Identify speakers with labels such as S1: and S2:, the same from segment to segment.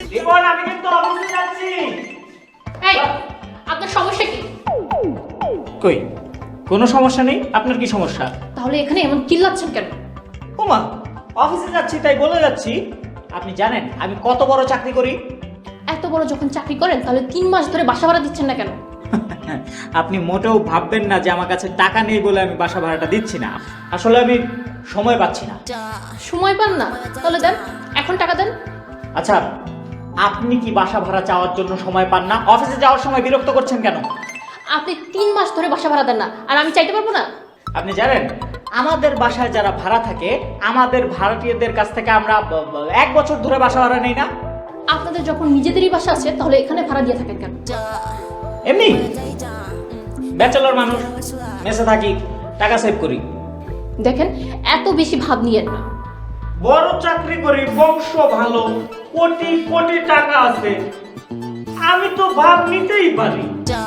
S1: রিপন, আমি কিন্তু অফিসে যাচ্ছি।
S2: এই, আপনার সমস্যা কি?
S1: কই, কোনো সমস্যা নেই। আপনার কি সমস্যা?
S2: তাহলে এখানে এমন চিল্লাচ্ছেন কেন?
S1: ওমা, অফিসে যাচ্ছি তাই বলে যাচ্ছি। আপনি জানেন আমি কত বড় চাকরি করি?
S2: এত বড় যখন চাকরি করেন তাহলে 3 মাস ধরে বাসা ভাড়া দিচ্ছেন না কেন?
S1: আপনি মোটেও ভাববেন না যে আমার কাছে টাকা নেই বলে আমি বাসা ভাড়াটা দিচ্ছি না। আসলে আমি সময় পাচ্ছি না।
S2: সময় পান না? তাহলে দেন, এখন টাকা দেন।
S1: আচ্ছা, আপনি কি বাসা ভাড়া চাওয়ার জন্য সময় পান না? অফিসে যাওয়ার সময় বিরক্ত করছেন কেন?
S2: আপনি 3 মাস ধরে বাসা ভাড়া দেন না, আর আমি চাইতে পারবো না?
S1: আপনি জানেন আমাদের বাসায় যারা ভাড়া থাকে, আমাদের ভাড়াটিয়াদের কাছ থেকে আমরা 1 বছর ধরে বাসা ভাড়া নেই না।
S2: আপনাদের যখন নিজেদেরই বাসা আছে তাহলে এখানে ভাড়া দিয়ে থাকেন কেন?
S1: এমনি ব্যাচেলর মানুষ, মেসে থাকি, টাকা সেভ করি।
S2: দেখেন, এত বেশি ভাব নিয়েন না।
S1: বড় চাকরি করি, বংশ ভালো, কোটি কোটি টাকা আছে, আমি তো ভাব নিতেই পারি।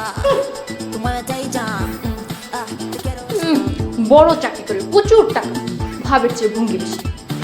S2: বড় চাকরি করে প্রচুর টাকা, ভাবের চেয়ে ভঙ্গি বেশি।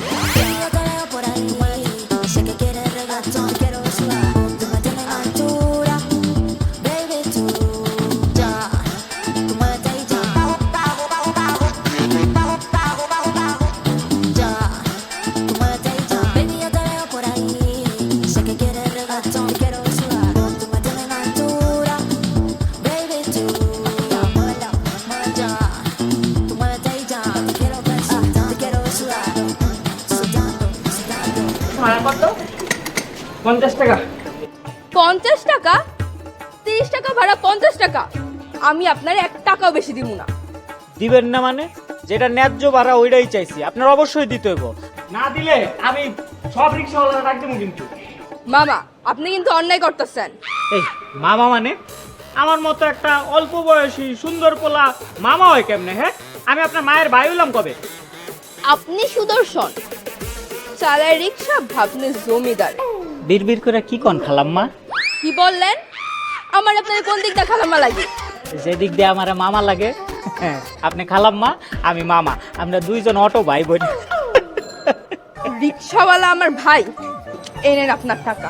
S1: ভাড়া কত? 50 টাকা।
S3: 50 টাকা? 30 টাকা ভাড়া, 50 টাকা? আমি আপনার 1 টাকাও বেশি দিব না।
S1: দিবেন না মানে? যেটা ন্যায্য ভাড়া ওইটাই চাইছি, আপনার অবশ্যই দিতে হইব। না দিলে আমি সব রিক্সাওয়ালা ডাক দেবো কিন্তু।
S3: মামা, আপনি কিন্তু অন্যায় করতেছেন।
S1: এই মামা মানে? আমার মতো একটা অল্প বয়সী সুন্দর পোলা মামা হয় কেমনে? হ্যাঁ, আমি আপনার মায়ের ভাই হইলাম কবে?
S3: আপনি সুদর্শন, চালায় রিক্সা, ভাবনে জমিদার।
S1: বিড়বিড় করে কি কন খালাম্মা?
S3: কি বললেন? আমার আপনার কোন দিকটা খালাম্মা লাগে?
S1: যেদিক দিয়ে আমার মামা লাগে। আপনি খালাম্মা, আমি মামা, আমরা দুইজন অটো ভাই বোন।
S3: রিক্সাওয়ালা আমার ভাই। এই নেন আপনার টাকা।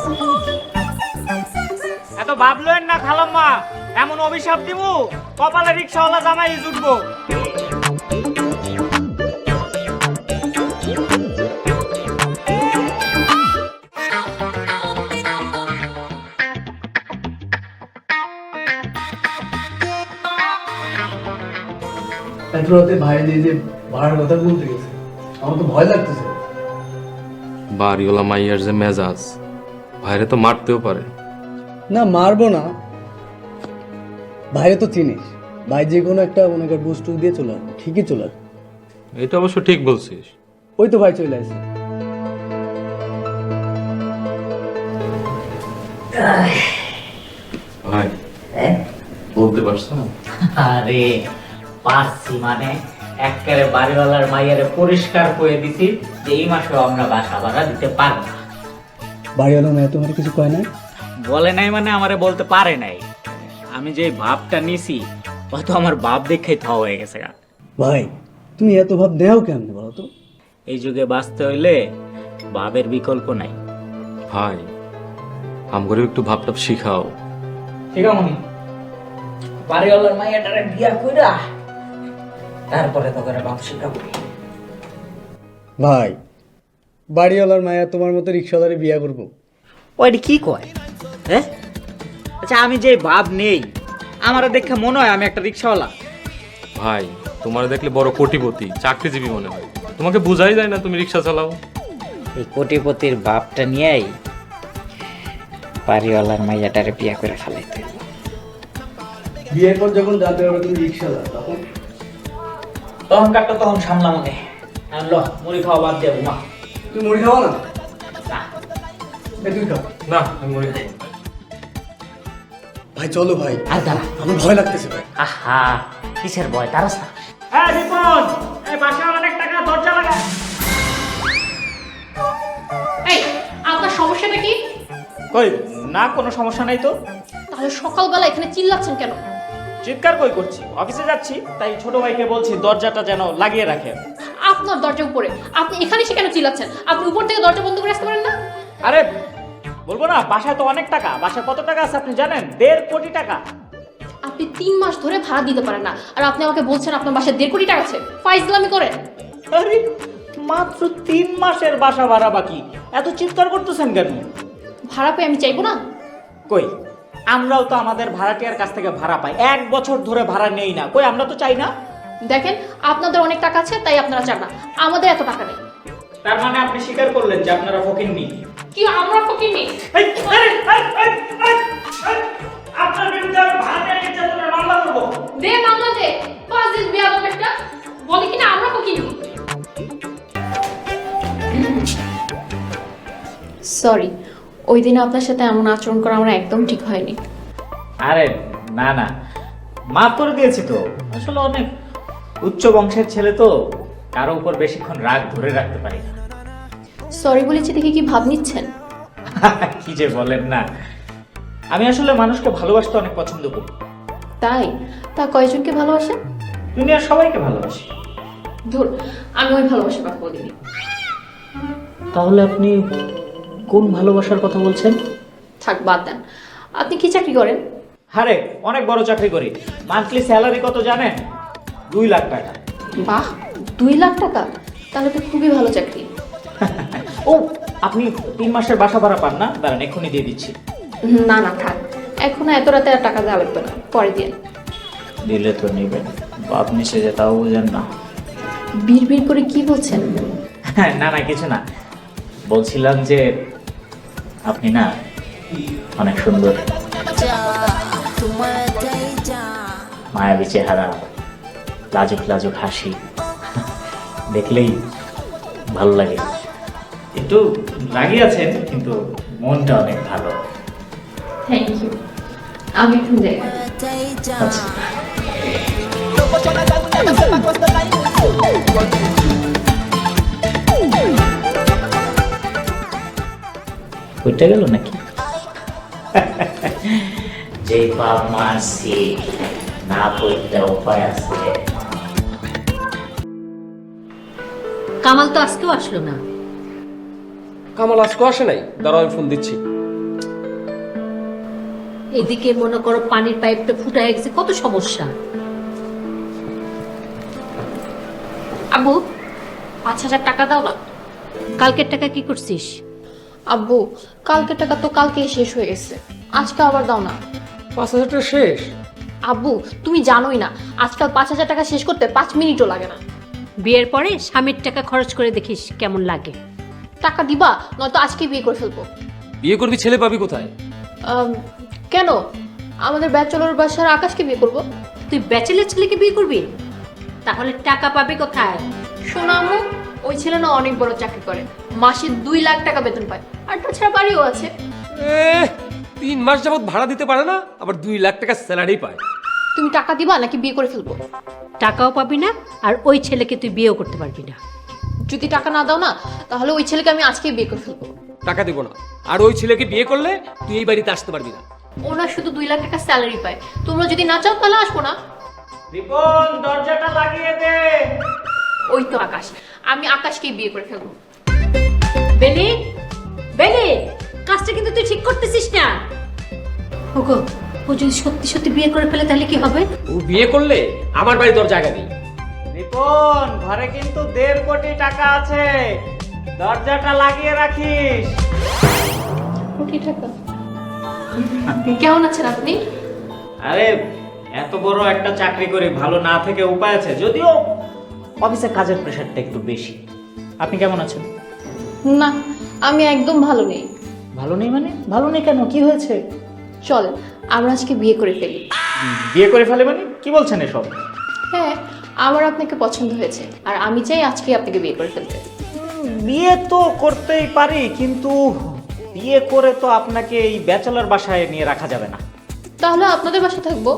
S1: এত ভাবলেন না খালাম্মা, এমন অভিশাপ দিব কপালে রিক্সাওয়ালা জামাই জুটবো।
S4: এত রাতে ভাই যে ভাড়ার কথা বলতে গেছে, আমার তো ভয় লাগতেছে।
S5: বাড়িওয়ালা মাইয়ার যে মেজাজ, ভাইরে তো মারতেও পারে।
S4: না, মারবো না। ভাইরে তো চিনিস, ভাই যে কোনো একটা মনে কর বুস্টু দিয়ে চলে আসবে, ঠিকই চলে আসবে।
S5: এটা অবশ্য ঠিক বলছিস।
S4: ওই তো ভাই চলে আসে।
S5: ভাই বলতে পারছো না?
S1: আরে পারছি মানে, একেবারে বাড়িওয়ালার মাইয়ারে পরিষ্কার করে দিছি যে এই মাসেও আমরা বাসা ভাড়া দিতে পারবো না।
S4: বাড়িওয়ালা মেয়ে তোমার কিছু কয় নাই?
S1: বলে নাই মানে আমারে বলতে পারে নাই। আমি যে ভাবটা নিছি হয়তো আমার ভাব দেখেই থ হয়ে গেছে।
S4: ভাই তুমি এত ভাব দেও কেমনে বলো তো?
S1: এই যুগে বাঁচতে হইলে ভাবের বিকল্প নাই।
S5: ভাই আমগরে একটু ভাবটাপ শিখাও।
S1: ঠিক আছে মনি, বাড়িওয়ালার মাইয়াটারে বিয়া কইরা তারপরে তো করে ভাব শিখাবো।
S4: ভাই বাড়িওয়ালার মায়া তোমার মতো রিক্সাওয়ালারে বিয়া করবো?
S1: ওইটা কি কয়? হ্যাঁ, আচ্ছা আমি যে ভাব নেই, আমার দেখে মনে হয় আমি একটা রিক্সাওয়ালা?
S5: ভাই তোমার দেখলে বড় কোটিপতি, চাকরিজীবী মনে হয়। তোমাকে বোঝাই যায় না তুমি রিক্সা চালাও।
S1: এই কোটিপতির ভাবটা নিয়েই বাড়িওয়ালার মাইয়াটারে বিয়া করে ফেলাইতে।
S4: বিয়ের পর যখন জানতে পারবে তুমি রিক্সাওয়ালা,
S1: তখনকারটা তখন সামলা মনে। ল মুড়ি খাওয়া বাদ দেবো মা।
S4: তুমি মুড়ি খাওয়া না?
S1: না।
S4: তুই খাও।
S5: না আমি মনে করি
S4: ভাই চলো ভাই,
S1: আর দাঁড়া,
S4: আমার ভয় লাগতেছে ভাই।
S1: আহা কিসের ভয়, তারস না। হ্যাঁ রিপন, এই বাসায় অনেক টাকা, দরজা লাগা।
S2: এই, আপনার সমস্যাটা কি?
S1: কই না, কোনো সমস্যা নাই তো।
S2: তাহলে সকালবেলা এখানে চিল্লাচ্ছেন কেন?
S1: চিৎকার কই করছি? অফিসে যাচ্ছি তাই ছোট ভাইকে বলছি দরজাটা যেন লাগিয়ে রাখে।
S2: আপনার দরজা উপরে, আপনি এখানে এসে কেন চিল্লাচ্ছেন? আপনি উপর থেকে দরজা বন্ধ করে আসতে পারেন না?
S1: আরে বলবো না, বাসায় তো অনেক টাকা। বাসায় কত টাকা আছে আপনি জানেন? 1.5 কোটি টাকা।
S2: আপনি 3 মাস ধরে ভাড়া দিতে পারেন না, আর আপনি আমাকে বলছেন আপনার বাসায় 1.5 কোটি টাকা আছে। ফাইজলামি করেন।
S1: আরে মাত্র 3 মাসের বাসা ভাড়া বাকি, এত চিৎকার করতেছেন কেন?
S2: ভাড়া পেয়ে আমি চাইবো না?
S1: কই, আমরাও তো আমাদের ভাড়াটিয়ার কাছ থেকে ভাড়া পাই। 1 বছর ধরে ভাড়া নেই না। কই, আমরা তো চাই না।
S2: দেখেন, আপনাদের অনেক টাকা আছে তাই আপনারা চান না, আমাদের এত টাকা নেই।
S1: তার মানে আপনি স্বীকার করলেন যে আপনারা ফকিন্নি।
S2: কি আমরা ফকিন্নি?
S1: আপনার বিরুদ্ধে আমি ভাড়াটিয়া নির্যাতনের মামলা করব।
S2: দে মামলা দে। ফাজিল বিয়াদব একটা। বলে কিনা আমরা ফকিন্নি। সরি, ওই দিন আপনার সাথে এমন আচরণ করা আমার একদম ঠিক হয়নি।
S1: আরে না না, মাফ করে দিয়েছি তো। আসলে অনেক উচ্চ বংশের ছেলে তো, কারো উপর বেশিক্ষণ রাগ ধরে রাখতে পারি না।
S2: সরি বলেছি দেখে কি ভাব নিচ্ছেন?
S1: কি যে বলেন না, আমি আসলে মানুষকে ভালোবাসতে অনেক পছন্দ করি।
S2: তাই? তা কয়জনকে ভালোবাসেন?
S1: দুনিয়ার সবাইকে ভালোবাসি।
S2: ধুর, আমি ওই ভালোবাসার কথা বলিনি।
S1: তাহলে আপনি কোন ভালোবাসার কথা বলছেন?
S2: থাক, বাদ দেন। আপনি কি চাকরি করেন?
S1: আরে অনেক বড় চাকরি করি। মান্থলি স্যালারি কত জানেন? 2 লাখ টাকা।
S2: বাহ, 2 লাখ টাকা? তাহলে তো খুবই ভালো চাকরি।
S1: ও, আপনি 3 মাসের বাসা ভাড়া পান না? দাঁড়ান, এক্ষুনি দিয়ে দিচ্ছি।
S2: না না, থাক, এখন এত রাতে আর টাকা দেওয়া লাগবে না, পরে দিন।
S1: দিলে তো নেবেন, বাপ নিচে যে তাও বুঝেন না।
S2: বিড় করে কি বলছেন?
S1: না না, কিছু না। বলছিলাম যে আপনি না অনেক সুন্দর, মায়াবী চেহারা, লাজুক লাজুক হাসি, দেখলেই ভালো লাগে। একটু রাগী আছেন কিন্তু মনটা অনেক ভালো।
S2: Thank you. আমি এখন যাই।
S1: আচ্ছা, ওইটা গেল নাকি? যে বাপ মারছি না করতে উপায় আছে।
S6: কামাল তো আজকেও আসলো না।
S7: কামাল আজকে আসে নাই, দাঁড়াও আমি ফোন দিচ্ছি।
S6: এদিকে মনে করো পানির পাইপটা ফুটা হয়ে গেছে, কত সমস্যা।
S2: আব্বু, 5,000 টাকা দাও না।
S6: কালকের টাকা কি করছিস?
S2: আব্বু, কালকের টাকা তো কালকেই শেষ হয়ে গেছে, আজকে আবার দাও না।
S7: 5,000 টাকা শেষ?
S2: আব্বু, তুমি জানোই না আজকাল 5,000 টাকা শেষ করতে 5 মিনিটও লাগে না।
S6: বিয়ের পরে স্বামীর টাকা খরচ করে দেখিস কেমন লাগে।
S2: টাকা দিবা, নয়তো আজকে বিয়ে করে ফেলবো।
S7: বিয়ে করবি, ছেলে পাবি কোথায়?
S2: কেন? আমাদের ব্যাচেলর বাসার আকাশকে বিয়ে করব।
S6: তুই ব্যাচেলের ছেলেকে বিয়ে করবি? তাহলে টাকা পাবে কোথায়?
S2: শোনো আম্মু, ওই ছেলে না অনেক বড় চাকরি করে, মাসে 2 লাখ টাকা বেতন পায়, আর তাছাড়া বাড়িও আছে।
S7: 3 মাস যাবত ভাড়া দিতে পারে না, আবার 2 লাখ টাকা স্যালারি পায়।
S2: তুমি টাকা দিবা নাকি বিয়ে করে ফেলবো?
S6: টাকাও পাবি না, আর ওই ছেলেকে তুই বিয়েও করতে পারবি না।
S2: যদি টাকা না দাও না, তাহলে ওই ছেলেকে আমি আজকেই বিয়ে করে ফেলবো।
S7: টাকা দিব না, আর ওই ছেলেকে বিয়ে করলে তুই এই বাড়িতে আসতে পারবি না।
S2: ওনার শুধু 2 লাখ টাকা স্যালারি পায়, তোমরা যদি না চাও তাহলে আসবো না।
S1: রিপন, দরজাটা লাগিয়ে দে।
S2: ওই তো আকাশ, আমি আকাশকেই বিয়ে করে ফেলবো।
S6: বেলি, বেলি, কাজটা কিন্তু তুই ঠিক করতেছিস না। ওগো, ও যদি সত্যি সত্যি বিয়ে করে ফেলে তাহলে কি হবে?
S7: ও বিয়ে করলে আমার বাড়ি তোর জায়গা নেই।
S1: রিপন, ঘরে কিন্তু 1.5 কোটি টাকা আছে, দরজাটা লাগিয়ে রাখিস।
S2: কোটি টাকা? কেমন আছেন আপনি?
S1: আরে এত বড় একটা চাকরি করি, ভালো না থেকে উপায় আছে, যদিও অফিসে কাজের প্রেশারটা একটু বেশি। আপনি কেমন আছেন?
S2: না, আমি একদম ভালো নেই।
S1: ভালো নেই মানে? ভালো নেই কেন, কি হয়েছে?
S2: চল আমরা আজকে বিয়ে করে ফেলি।
S1: বিয়ে করে ফেলে মানে কি বলছেন এসব?
S2: হ্যাঁ, আমার আপনাকে পছন্দ হয়েছে, আর আমি চাই আজকে আপনাকে বিয়ে করে ফেলতে।
S1: বিয়ে তো করতেই পারি, কিন্তু বিয়ে করে তো আপনাকে এই ব্যাচেলর বাসায় নিয়ে রাখা যাবে না।
S2: তাহলে আপনাদের বাসা থাকবো।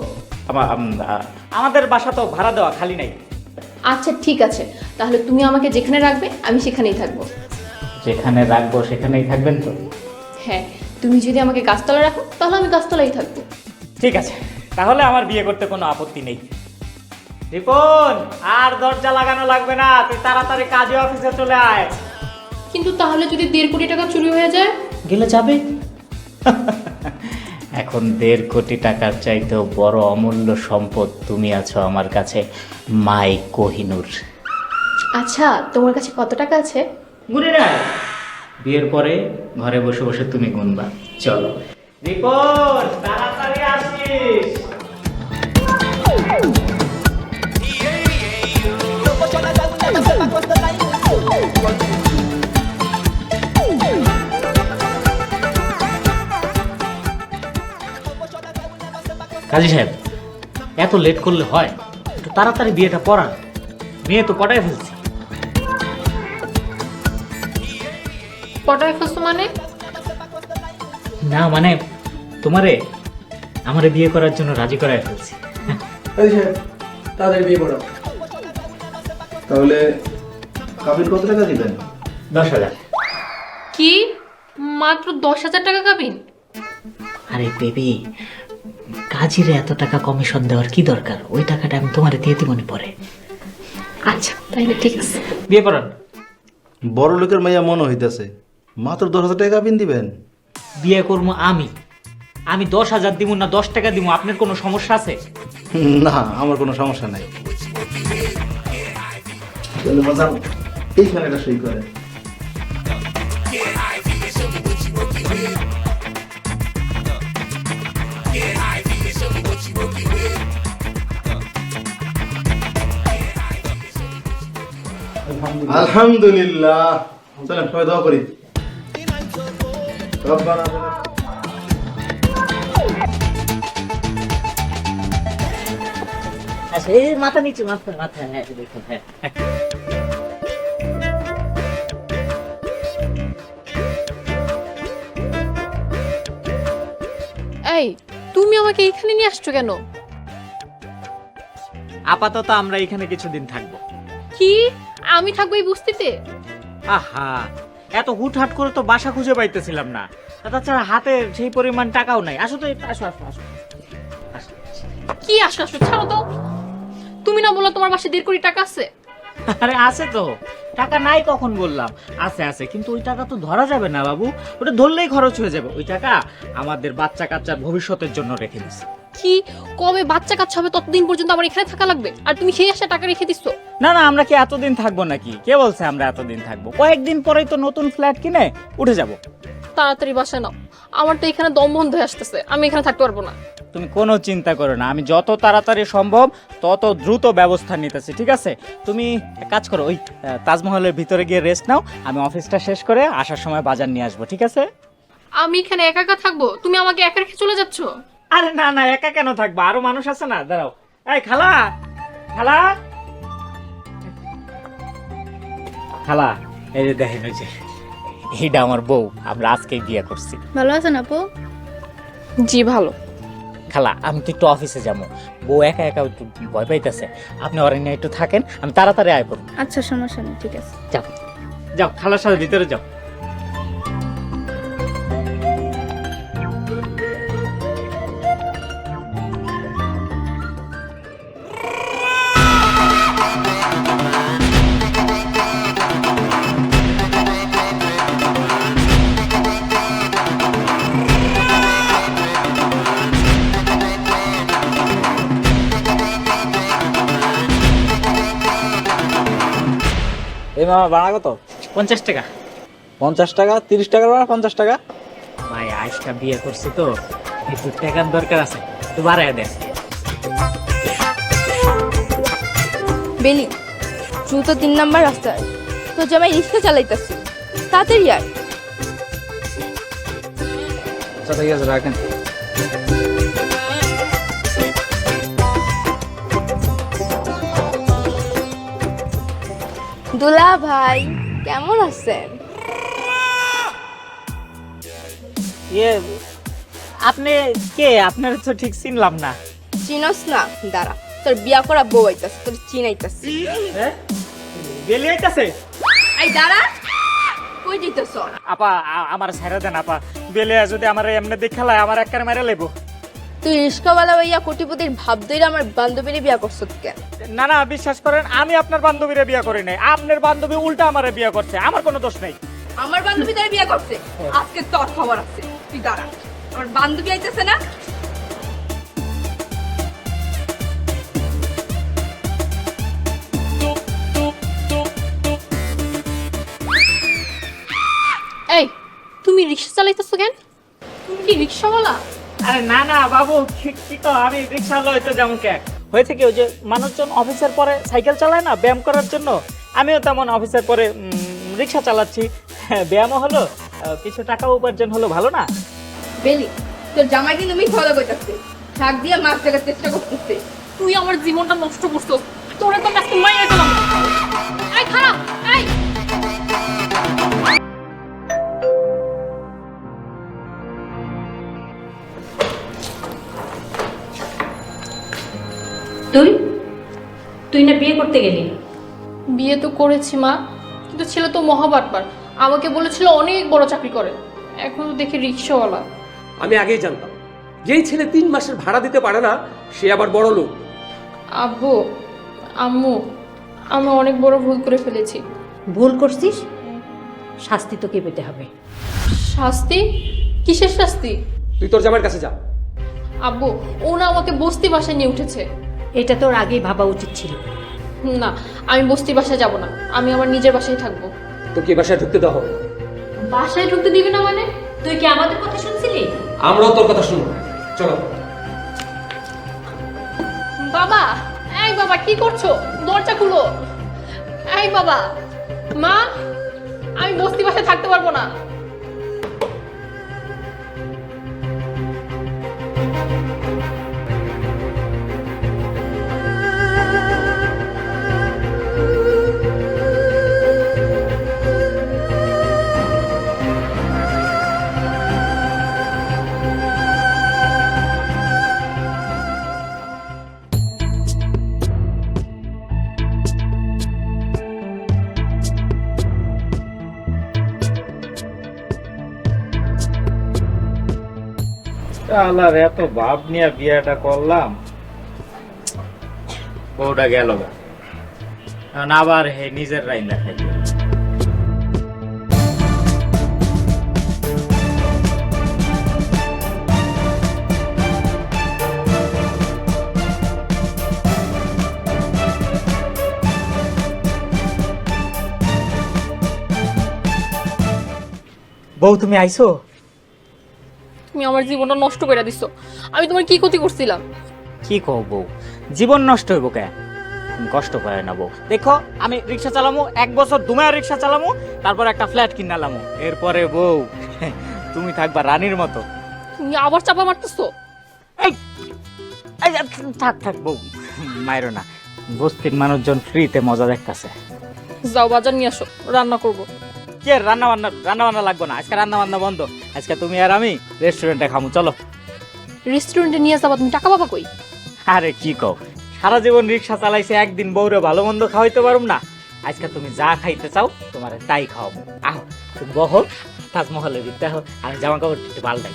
S1: আমাদের বাসা তো ভাড়া দেওয়া, খালি নাই।
S2: আচ্ছা ঠিক আছে, তাহলে তুমি আমাকে যেখানে রাখবে আমি সেখানেই থাকবো।
S1: যেখানে রাখবো সেখানেই থাকবেন তো?
S2: হ্যাঁ, তুমি যদি আমাকে গাছতলায় রাখো তাহলে আমি গাছতলাই থাকবো।
S1: ঠিক আছে, তাহলে আমার বিয়ে করতে কোনো আপত্তি নেই। রিপন, আর দরজা লাগানো লাগবে না, তুই তাড়াতাড়ি কাজে অফিসে চলে আয়।
S2: কিন্তু তাহলে যদি 1.5 কোটি টাকা চুরি হয়ে যায়?
S1: গেলে যাবে, এখন 1.5 কোটি টাকার চাইতেও বড় অমূল্য সম্পদ তুমি আছো আমার কাছে, মাই কোহিনূর।
S2: আচ্ছা, তোমার কাছে কত টাকা আছে?
S1: গুনে না, বিয়ের পরে ঘরে বসে বসে তুমি গুনবা। চলো রিপোর্ট, তাড়াতাড়ি আসিস। কাজী সাহেব, এত লেট করলে হয়? একটু তাড়াতাড়ি বিয়েটা পড়ান, মেয়ে তো পটায় ফেলছি।
S2: পটায় ফেলছো মানে?
S1: না মানে তোমারে আমারে বিয়ে করার জন্য রাজি করায় ফেলছি।
S4: কাজী সাহেব, তাড়াতাড়ি বিয়ে পড়াও।
S8: তাহলে কাবিন কত টাকা দিবেন?
S1: 10,000।
S2: কি, মাত্র 10,000 টাকা কাবিন?
S1: আরে বেবি, কাজীরে এত টাকা কমিশন দেওয়ার কি দরকার? ওই টাকাটা আমি তোমারে দিয়ে দিব মনে পড়ে।
S2: আচ্ছা তাইলে ঠিক আছে।
S1: বিয়ে পড়ান।
S8: বড় লোকের মাইয়া মনে হইতেছে, মাত্র 10,000 টাকা কাবিন দিবেন?
S1: বিয়ে করবো আমি 10,000 দিব না 10 টাকা দিব, আপনার কোনো সমস্যা আছে?
S8: না, আমার কোনো সমস্যা নাই। তাহলে বাজান, এইখানে একটা সই করেন। আলহামদুলিল্লাহ। চলেন সবাই দোয়া করি। রব্বানা
S1: আচ্ছা, এই মাথা নিচে, মাথা হ্যাঁ দেখুন, হ্যাঁ।
S2: এই, তুমি আমাকে এখানে নিয়ে আসছো কেন?
S1: আপাতত আমরা এখানে কিছুদিন থাকবো।
S2: কি, আমি থাকবো এই বস্তিতে?
S1: আহা, এত হুটহাট করে তো বাসা খুঁজে পাইতেছিলাম না, তাছাড়া হাতে সেই পরিমাণ টাকাও নাই। আসো তো, আসো আসো আসো।
S2: কি আসো আসো, ছাড়ো তো। তুমি না বললো তোমার বাসায় 1.5 কোটি টাকা আছে?
S1: আরে আছে তো, টাকা নাই কখন বললাম? আছে আছে, কিন্তু ওই টাকা তো ধরা যাবে না বাবু, ওটা ধরলেই খরচ হয়ে যাবে। ওই টাকা আমাদের বাচ্চা কাচ্চার ভবিষ্যতের জন্য রেখে দিছি।
S2: কি, কবে বাচ্চা কাচ্চা হবে ততদিন পর্যন্ত আমার এখানে থাকা লাগবে? আর তুমি সেই আশা টাকা রেখে দিচ্ছ?
S1: না না, আমরা কি এতদিন থাকবো নাকি? কে বলছে আমরা এতদিন থাকবো? কয়েকদিন পরেই তো নতুন ফ্ল্যাট কিনে উঠে যাব।
S2: তাড়াতাড়ি বাসায় নাও, আমার তো এখানে দম বন্ধ হয়ে আসতেছে, আমি এখানে থাকতে পারবো না।
S1: তুমি কোনো চিন্তা করো না, আমি যত তাড়াতাড়ি সম্ভব তত দ্রুত ব্যবস্থা নিতেছি, ঠিক আছে? তুমি এক কাজ করো, ওই তাজমহলের ভিতরে গিয়ে রেস্ট নাও, আমি অফিসটা শেষ করে আসার সময় বাজার নিয়ে আসবো, ঠিক আছে?
S2: আমি এখানে একা একা থাকবো? তুমি আমাকে একা রেখে চলে যাচ্ছ?
S1: আরে না না, একা কেন থাকবো? আরো মানুষ আছে না, দাঁড়াও। এই খালা, খালা, খালা, এই যে দেখেন, ওই যে এইটা আমার বউ, আমরা আজকেই বিয়ে করছি।
S3: ভালো আছেন আপু?
S2: জি ভালো।
S1: খালা, আমি তো একটু অফিসে যাবো, বউ একা একা একটু ভয় পাইতেছে, আপনি ওরা নিয়ে একটু থাকেন, আমি তাড়াতাড়ি আয় করবো।
S3: আচ্ছা, সমস্যা নেই, ঠিক আছে।
S1: যাও যাও, খালার সাথে ভিতরে যাও।
S9: এই মামা ভাড়া কত?
S1: 50 টাকা।
S9: 50 টাকা? 30 টাকার ভাড়া 50 টাকা?
S1: ভাই আজটা বিয়ে করছি তো, একটু টাকার দরকার আছে, একটু বাড়ায় দেন।
S3: বেলি, দ্রুত 3 নাম্বার রাস্তায় তো জামাই রিক্সা চালাইতেছি, তাড়াতাড়ি আয়।
S9: আচ্ছা ঠিক আছে, রাখেন।
S3: দুলা ভাই, কেমন আছেন?
S1: ইয়ে, আপনি কে? আপনার তো ঠিক চিনলাম না।
S3: চিনস না? দাঁড়া, তোর বিয়া করা বউ আইতাছে, তোর চিনাইতাছি।
S1: বেলি আইতাছে?
S3: এই দাঁড়া, কই যাইতাছ?
S1: আপা, আমার ছেড়ে দেন আপা, বেলে যদি আমার এমনি দেখালায় আমার একবার মেরে লেবো।
S3: তুই রিস্কাওয়ালা ভাইয়া কোটিপতির ভাব ধইরা আমার বান্ধবীরে বিয়া করছত কেন?
S1: না না, বিশ্বাস করেন, আমি আপনার বান্ধবীরে বিয়ে করি নাই, আপনার বান্ধবী উল্টা আমারে বিয়ে করছে, আমার কোনো দোষ নেই।
S3: আমার বান্ধবী তার বিয়া করছে, আজকে তোর খবর আছে, তুই দাঁড়া। আমার বান্ধবী আইতেছে না?
S2: এই তুমি রিক্সা চালাইতেছো কেন? তুমি কি রিক্সাওয়ালা?
S1: আরে না না বাবু, কি তো আমি রিক্সা লইতে যেমন কে হয়েছে কি, ওই যে মানুষজন অফিসের পরে সাইকেল চালায় না ব্যায়াম করার জন্য, আমিও তেমন অফিসের পরে রিক্সা চালাচ্ছি। হ্যাঁ, ব্যায়ামও হলো, কিছু টাকা উপার্জন হলো, ভালো না?
S3: বেলি, তোর জামাই কিন্তু মিথ্যা কথা কইতাছে। শাক দিয়ে মাছ দেখার চেষ্টা করতেছে।
S2: তুই আমার জীবনটা নষ্ট করছো। তোরে তো আজকে মাইরে দিলাম। এই খারাপ, এই
S6: তুই তুই না বিয়ে করতে গেলি?
S2: বিয়ে তো করেছি মা, কিন্তু ছেলে তো মহাবাটপার। আমাকে বলেছিল অনেক বড় চাকরি করে, এখন তো দেখি রিক্সাওয়ালা।
S7: আমি আগেই জানতাম যেই ছেলে 3 মাসের ভাড়া দিতে পারে না সে আবার বড় লোক।
S2: আব্বু, আম্মু, আমি অনেক বড় ভুল করে ফেলেছি।
S6: ভুল করছিস, শাস্তি তোকে পেতে হবে।
S2: শাস্তি? কিসের শাস্তি?
S7: তুই তোর জামাইয়ের কাছে যা।
S2: আব্বু, ও না আমাকে বস্তি বাসায় নিয়ে উঠেছে।
S6: এটা তোর আগেই ভাবা উচিত ছিল।
S2: না, আমি বস্তি বাসায় যাব না, আমি আমার নিজের বাসায় থাকবো।
S7: তোকে এই বাসায় ঢুকতে দেওয়া হবে।
S2: বাসায় ঢুকতে দিবি না মানে?
S6: তুই কি আমাদের কথা শুনছিলি?
S7: আমরাও তোর কথা শুনবো। চলো।
S2: বাবা, এই বাবা কি করছো? দরজা খুলো। এই বাবা, মা, আমি বস্তি বাসায় থাকতে পারবো না।
S1: আল্লাহর এত ভাব নিয়ে বিয়েটা করলাম, বউটা গেল গা। এখন আবার হে নিজের রাইন দেখাই। বউ তুমি আইছো?
S2: তুমি আমার জীবনটা নষ্ট করে দিছো। আমি তোমার কি ক্ষতি করছিলাম?
S1: কি কও বউ, জীবন নষ্ট হইব কে? তুমি কষ্ট পায় না বউ। দেখো আমি রিক্সা চালামু, 1 বছর দুমায়া রিক্সা চালামু, তারপর একটা ফ্ল্যাট কিনালামু, এরপরে বউ তুমি থাকবা রানীর মতো।
S2: তুমি আবার চাপা মারতেছো।
S1: এই এই, থাক থাক বউ, মাইরো না। বস্তির মানুষজন ফ্রিতে মজা দেখতাছে।
S2: যাও বাজার নিয়ে আসো, রান্না করবো।
S1: কে রান্না বান্না লাগবে না, আজকে রান্না বান্না বন্ধ। আজকে তুমি আর আমি রেস্টুরেন্টে খামু, চলো।
S2: রেস্টুরেন্টে নিয়ে যাবা? তুমি টাকা পাবা কই?
S1: আরে কি কও, সারা জীবন রিক্সা চালাইছে, একদিন বউরে ভালো মন্দ খাওয়াইতে পারুম না? আজকে তুমি যা খাইতে চাও তোমার তাই খাওয়াবো। আহো তুমি বহো, তাজমহলের ভিতরে আহো, আমি জামা কাপড় একটু পাল্টাই।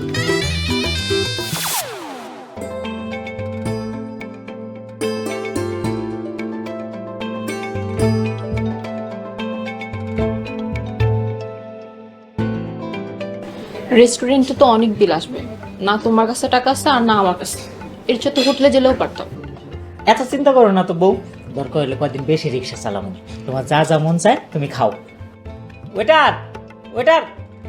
S2: রেস্টুরেন্টে তো অনেক বিল আসবে, না তোমার কাছে টাকা আছে আর না আমার কাছে। এর চেয়ে তো হোটেলে গেলেও পারতাম।
S1: এত চিন্তা করো না তো বউ, দরকার হলে কয়েকদিন বেশি রিক্সা চালাবো, তোমার যা যা মন চায় তুমি খাও। Waiter, waiter.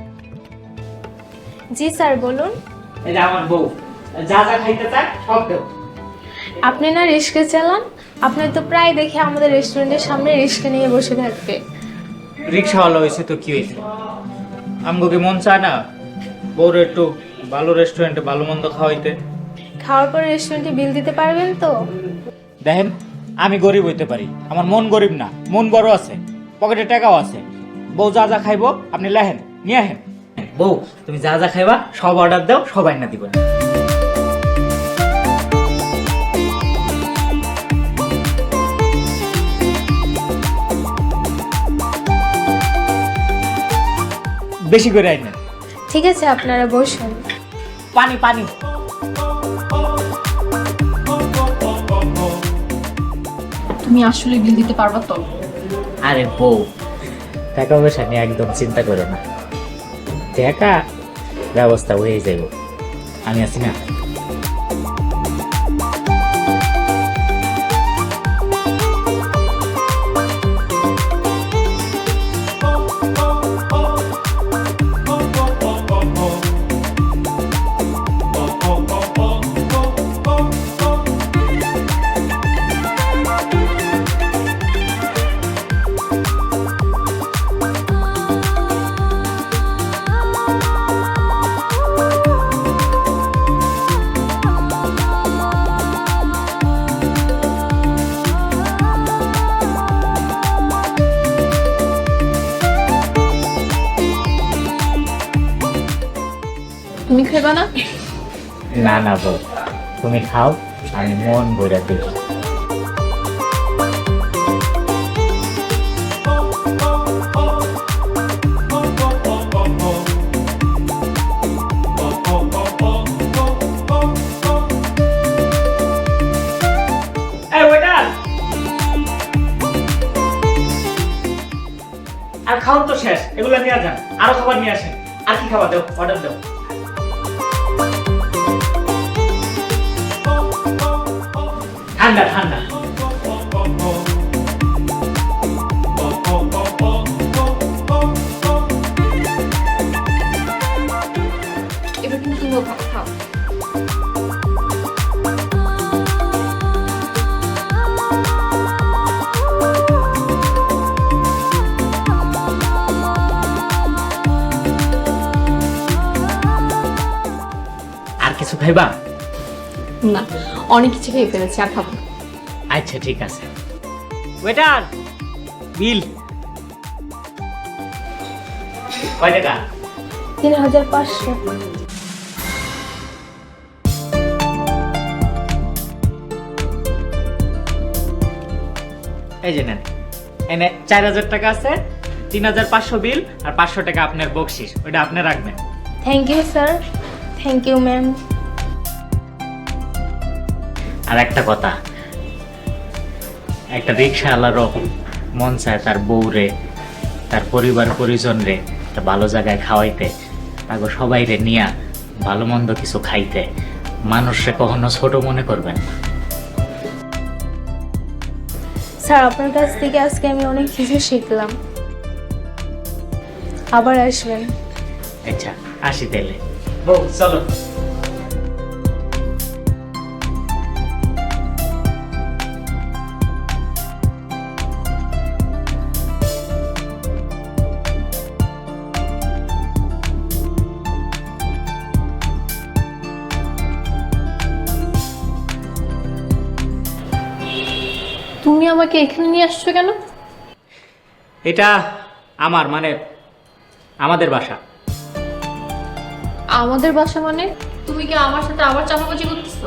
S3: জি স্যার, বলুন।
S1: এই যে আমার বউ, যা যা খাইতে চায় সব দেও।
S3: আপনি না রিক্সা চালান, আপনার তো প্রায় দেখে আমাদের রেস্টুরেন্টের সামনে রিক্সা নিয়ে বসে থাকবে।
S1: রিক্সাওয়ালা হয়েছে তো কি হয়েছে, আমগো কি মন চায় না বউরে একটু ভালো রেস্টুরেন্টে ভালো মন্দ খাওয়াইতে?
S3: খাওয়ার পরে রেস্টুরেন্টে বিল দিতে পারবেন তো?
S1: দেখেন আমি গরিব হইতে পারি, আমার মন গরিব না, মন বড় আছে, পকেটে টাকাও আছে। বউ যা যা খাইবো আপনি লেহেন নিয়ে আহেন। বউ তুমি যা যা খাইবা সব অর্ডার দাও, সবাই না দিব। বেশি করে আইনেন।
S3: ঠিক আছে, আপনারা বসুন।
S1: পানি পানি।
S2: তুমি আসলে বিল দিতে পারবা তো?
S1: আরে বউ, টাকা পয়সা নিয়ে একদম চিন্তা করো না, টাকা ব্যবস্থা হয়ে যাইব, আমি আছি না।
S2: তুমি খাইবা না?
S1: না না বউ, তুমি খাও, আমি মন ভরে দিই। আর খাওয়া তো শেষ, এগুলো নিয়ে যান, আরো খাবার নিয়ে আসেন। আর কি খাবার দেও, অর্ডার দেও। ঠান্ডা ঠান্ডা।
S2: এবার কিন্তু তুমিও খাও।
S1: আর কিছু খাইবা?
S2: না, অনেক কিছু খেয়ে ফেলেছি, আর খাবো না।
S1: আচ্ছা ঠিক আছে। ওয়েটার, বিল কয় টাকা?
S3: 3500।
S1: এই যে নেন, এনে 4000 টাকা আছে, 3500 বিল, আর 500 টাকা আপনার বকশিস, ওইটা আপনি রাখবেন।
S3: Thank you sir. Thank you ma'am.
S1: আর একটা কথা, একটা রিক্সাওয়ালারও মন চায় তার বউরে, তার পরিবার পরিজন রে একটা ভালো জায়গায় খাওয়াইতে, তাকে সবাই রে নিয়া ভালো মন্দ কিছু খাইতে। মানুষরে কখনো ছোট মনে করবেন না।
S3: স্যার আপনার কাছ থেকে আজকে আমি অনেক কিছু শিখলাম। আবার আসবেন।
S1: আচ্ছা আসি তাইলে। বউ চলো।
S2: তুমি আমাকে এখানে নিয়ে আসছো কেন?
S1: এটা আমার মানে আমাদের বাসা।
S2: আমাদের বাসা মানে? তুমি কি আমার সাথে আবার চাপাবাজি করতেছো?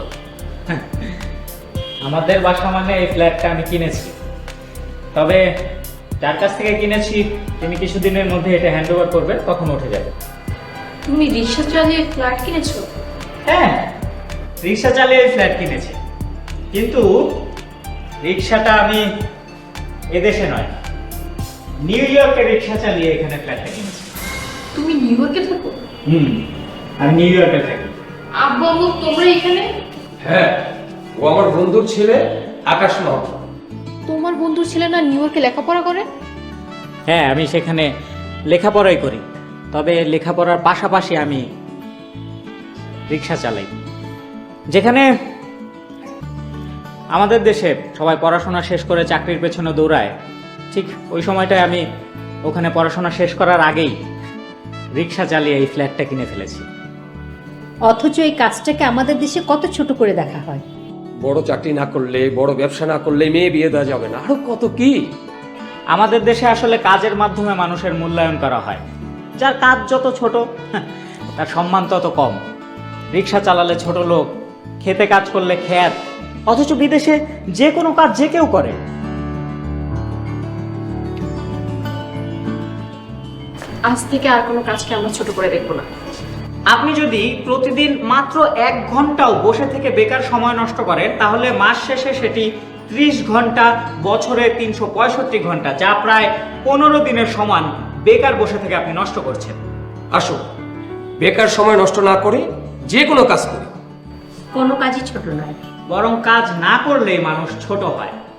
S1: আমাদের বাসা মানে এই ফ্ল্যাটটা আমি কিনেছি, তবে যার কাছ থেকে কিনেছি তিনি কিছুদিনের মধ্যে এটা হ্যান্ড ওভার করবে, তখন উঠে যাবে।
S2: তুমি রিক্সা চালিয়ে ফ্ল্যাট কিনেছো?
S1: হ্যাঁ, রিক্সা চালিয়ে এই ফ্ল্যাট কিনেছি, কিন্তু রিক্সাটা আমি এদেশে নয়, নিউ ইয়র্কে রিক্সা চালিয়ে এখানে ফ্ল্যাটটা কিনেছি।
S2: তুমি নিউ ইয়র্কে থাকো?
S1: আমি নিউ ইয়র্কে থাকি।
S2: আব্বু আম্মু তোমরা এখানে?
S7: হ্যাঁ, ও আমার বন্ধুর ছেলে আকাশ মামা।
S2: তোমার বন্ধুর ছেলে না নিউ ইয়র্কে লেখাপড়া করে?
S1: হ্যাঁ, আমি সেখানে লেখাপড়াই করি, তবে লেখাপড়ার পাশাপাশি আমি রিক্সা চালাই। যেখানে আমাদের দেশে সবাই পড়াশোনা শেষ করে চাকরির পেছনে দৌড়ায়, ঠিক ওই সময়টায় আমি ওখানে পড়াশোনা শেষ করার আগেই রিক্সা চালিয়ে এই ফ্ল্যাটটা কিনে ফেলেছি।
S6: অথচ এই কাজটাকে আমাদের দেশে কত ছোট করে দেখা হয়।
S7: বড় চাকরি না করলে, বড় ব্যবসা না করলে মেয়ে বিয়ে দেওয়া যাবে না, আরো কত কি।
S1: আমাদের দেশে আসলে কাজের মাধ্যমে মানুষের মূল্যায়ন করা হয়। যার কাজ যত ছোট তার সম্মান তত কম। রিক্সা চালালে ছোট লোক, খেতে কাজ করলে খ্যাত, অথচ বিদেশে যে কোনো কাজ যে কেউ করে।
S2: আজ থেকে আর কোনো কাজকে আমরা ছোট করে দেখবো না।
S1: আপনি যদি প্রতিদিন মাত্র 1 ঘন্টাও বসে থেকে বেকার সময় নষ্ট করেন, তাহলে মাস শেষে সেটি 30 ঘন্টা, বছরে 365 ঘন্টা, যা প্রায় 15 দিনের সমান বেকার বসে থেকে আপনি নষ্ট করছেন।
S7: আসো বেকার সময় নষ্ট না করে যে কোনো কাজ করি।
S6: কোনো কাজই ছোট নয়।
S1: বরং কাজ না করলেই মানুষ ছোট হয়।